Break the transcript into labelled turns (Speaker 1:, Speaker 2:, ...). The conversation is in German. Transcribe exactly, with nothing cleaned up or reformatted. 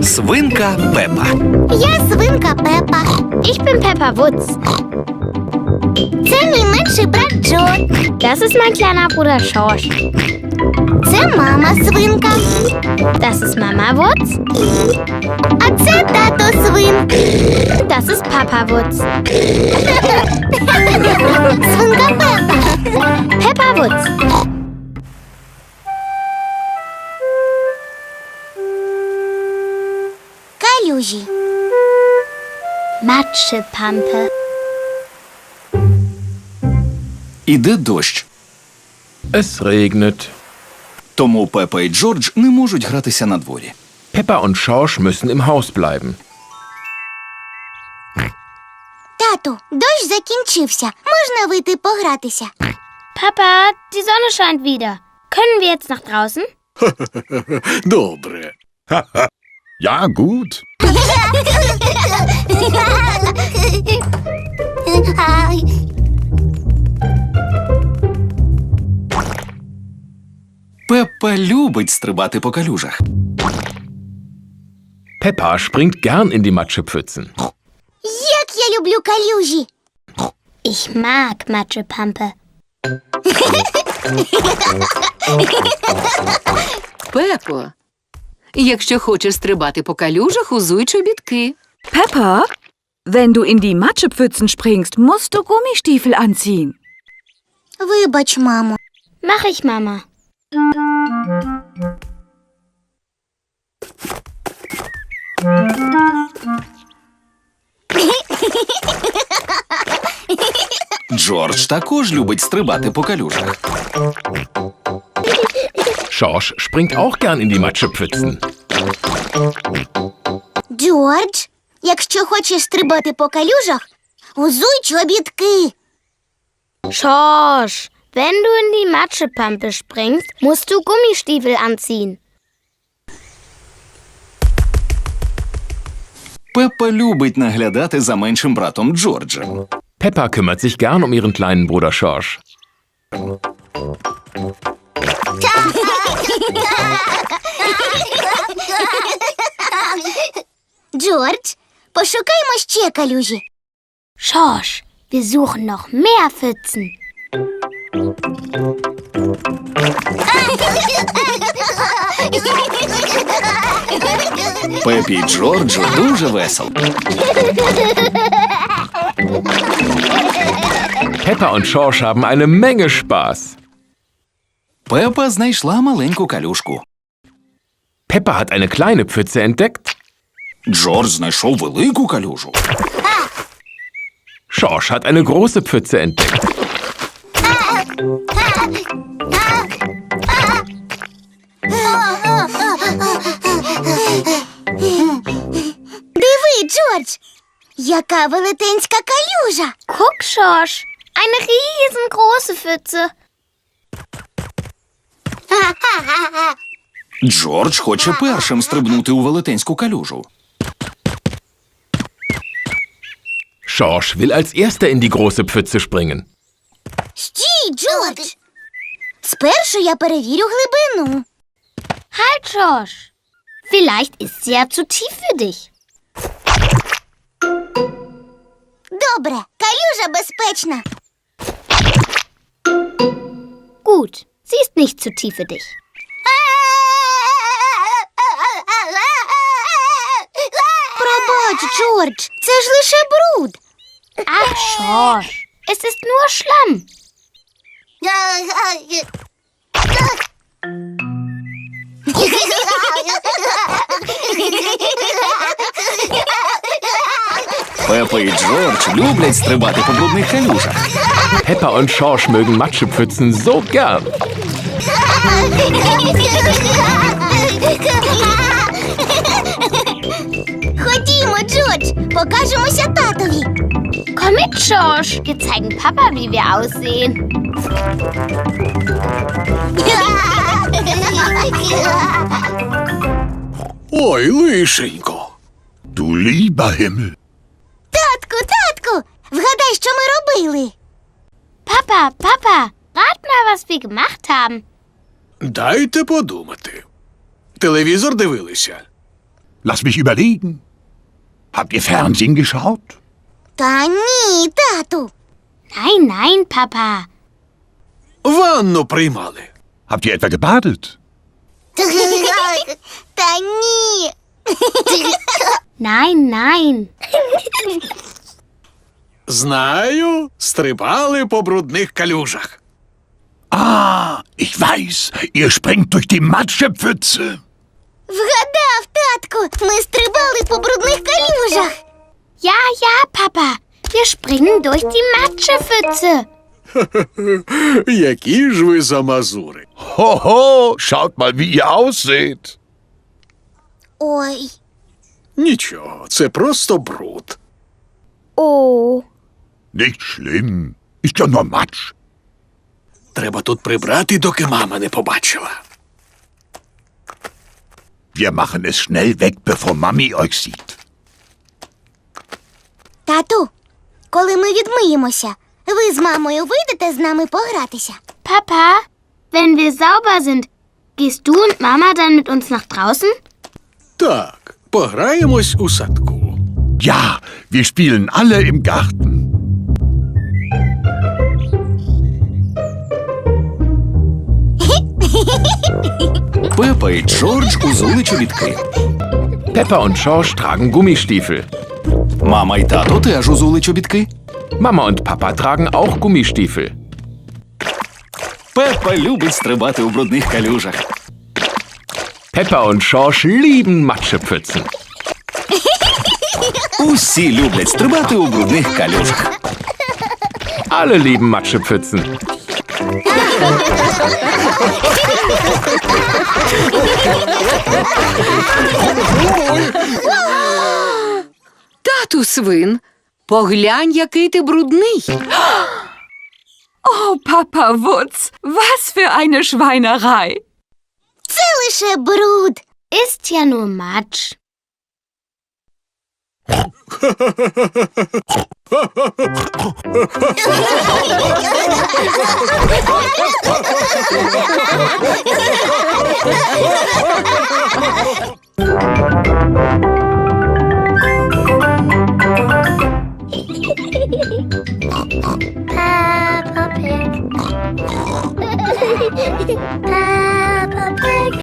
Speaker 1: Свинка Пепа.
Speaker 2: Я свинка Пепа.
Speaker 3: Ich bin Peppa Wutz.
Speaker 2: Це мій менший брат Джо.
Speaker 3: Das ist mein kleiner Bruder Schorsch.
Speaker 2: Це мама свинка.
Speaker 3: Das ist Mama Wutz.
Speaker 2: А це тато свин.
Speaker 3: Das ist Papa Wutz.
Speaker 2: Свинка Пепа.
Speaker 3: Peppa Wutz.
Speaker 2: Калюжі.
Speaker 3: Matschepampe.
Speaker 1: Іде дощ.
Speaker 4: Es regnet.
Speaker 1: Тому Пепа і Джордж не можуть гратися на дворі.
Speaker 4: Peppa und Schorsch müssen im Haus bleiben.
Speaker 2: Тату, дощ закінчився. Можна вийти погратися?
Speaker 3: Papa, die Sonne scheint wieder. Können wir jetzt nach draußen?
Speaker 5: Добре.
Speaker 4: Ja, gut.
Speaker 1: Пепа любить стрибати по калюжах.
Speaker 4: Peppa springt gern in die Matschepfützen.
Speaker 2: Як я люблю калюжі.
Speaker 3: Ich mag Matschepampe.
Speaker 6: Пепо, якщо хочеш стрибати по калюжах, узуй чобітки.
Speaker 7: Peppa, wenn du in die Matschepfützen springst, musst du Gummistiefel anziehen.
Speaker 2: Вибач, мамо.
Speaker 3: Mach ich, Mama.
Speaker 1: Джордж також любить стрибати по калюжах.
Speaker 4: Schorsch springt auch gern in die Matschepfützen.
Speaker 2: Джордж, якщо хочеш стрибати по калюжах, узуй чобітки.
Speaker 3: Schorsch, wenn du in die Matschepampe springst, musst du Gummistiefel anziehen.
Speaker 1: Пепа любить наглядати за меншим братом Джорджем.
Speaker 4: Peppa kümmert sich gern um ihren kleinen Bruder Schorsch.
Speaker 2: Джордж, пошукаймо ще калюжі.
Speaker 3: Schorsch, wir suchen noch mehr Pfützen.
Speaker 1: Пепі і Джорджу дуже весело.
Speaker 4: Peppa und Schorsch haben eine Menge Spaß.
Speaker 1: Пепа знайшла маленьку калюшку.
Speaker 4: Peppa hat eine kleine Pfütze entdeckt.
Speaker 1: Джордж знайшов велику калюжу.
Speaker 4: Schorsch hat eine große Pfütze entdeckt.
Speaker 2: Диви, Джордж, яка велетенська калюжа.
Speaker 3: Guck, Schorsch, eine riesengroße Pfütze.
Speaker 1: Джордж хоче першим стрибнути у велетенську калюжу.
Speaker 4: Schorsch will als erster in die große Pfütze springen.
Speaker 2: Стій, Джордж. Спершу я перевірю глибину.
Speaker 3: Halt, Schorsch. Vielleicht ist sie ja zu tief für dich.
Speaker 2: Добре, калюжа безпечна.
Speaker 3: Gut, sie ist nicht zu tief für dich.
Speaker 2: Пробач, Джордж, це ж лише бруд.
Speaker 3: Ach, Schorsch, es ist nur Schlamm.
Speaker 1: Пепа і Джордж люблять стрибати по брудних калюжах.
Speaker 4: Peppa und Schorsch mögen Matschepfützen so gern.
Speaker 2: Ходімо, Джордж, покажемося татові.
Speaker 3: Komm mit, Schorsch. Wir zeigen Papa, wie wir aussehen.
Speaker 5: Ой, лишенько. Du lieber Himmel.
Speaker 2: Татку, татку, вгадай, що ми робили.
Speaker 3: Papa, Papa, rat mal, was wir gemacht haben.
Speaker 5: Дайте подумати. Телевізор дивилися? Lass mich überlegen. Habt ihr Fernsehen geschaut?
Speaker 2: Та ні, тату.
Speaker 3: Nein, nein, Papa.
Speaker 5: Ванну приймали. Habt ihr etwa gebadet?
Speaker 2: Та ні.
Speaker 3: Nein, nein.
Speaker 8: Знаю, стрибали по брудних калюжах.
Speaker 5: Ah, ich weiß, ihr springt durch die Matschepfütze.
Speaker 2: Вгадав, татку. Ми стрибали по брудних калюжах.
Speaker 3: Ja, ja, Papa. Wir springen durch die Matschepfütze.
Speaker 8: Які ж ви замазури.
Speaker 5: Hoho, schaut mal, wie ihr ausseht.
Speaker 2: Ой.
Speaker 8: Нічого, це просто бруд.
Speaker 3: Oh.
Speaker 5: Nicht schlimm, ist ja nur Matsch.
Speaker 8: Треба тут прибрати, доки мама не побачила.
Speaker 5: Wir machen es schnell weg, bevor Mami euch sieht.
Speaker 2: Тату, коли ми відмиємося, ви з мамою вийдете з нами погратися?
Speaker 3: Papa, wenn wir sauber sind, gehst du und Mama dann mit uns nach draußen?
Speaker 8: Так, пограємось у садку.
Speaker 5: Ja, wir spielen alle im Garten.
Speaker 1: Пепа і Джордж узули чобітки.
Speaker 4: Peppa und George tragen Gummistiefel.
Speaker 1: Мама і тато теж узули чобітки.
Speaker 4: Mama und Papa tragen auch Gummistiefel.
Speaker 1: Пепа любить стрибати у брудних калюжах.
Speaker 4: Peppa und George lieben Matschepfützen.
Speaker 1: Усі люблять стрибати у брудних калюжах.
Speaker 4: Alle lieben Matschepfützen.
Speaker 6: Тату свин, поглянь, який ти брудний.
Speaker 7: Oh, Papa Wutz, was für eine Schweinerei.
Speaker 2: Це лише бруд.
Speaker 3: Ist ja nur Matsch.
Speaker 2: Peppa Pig.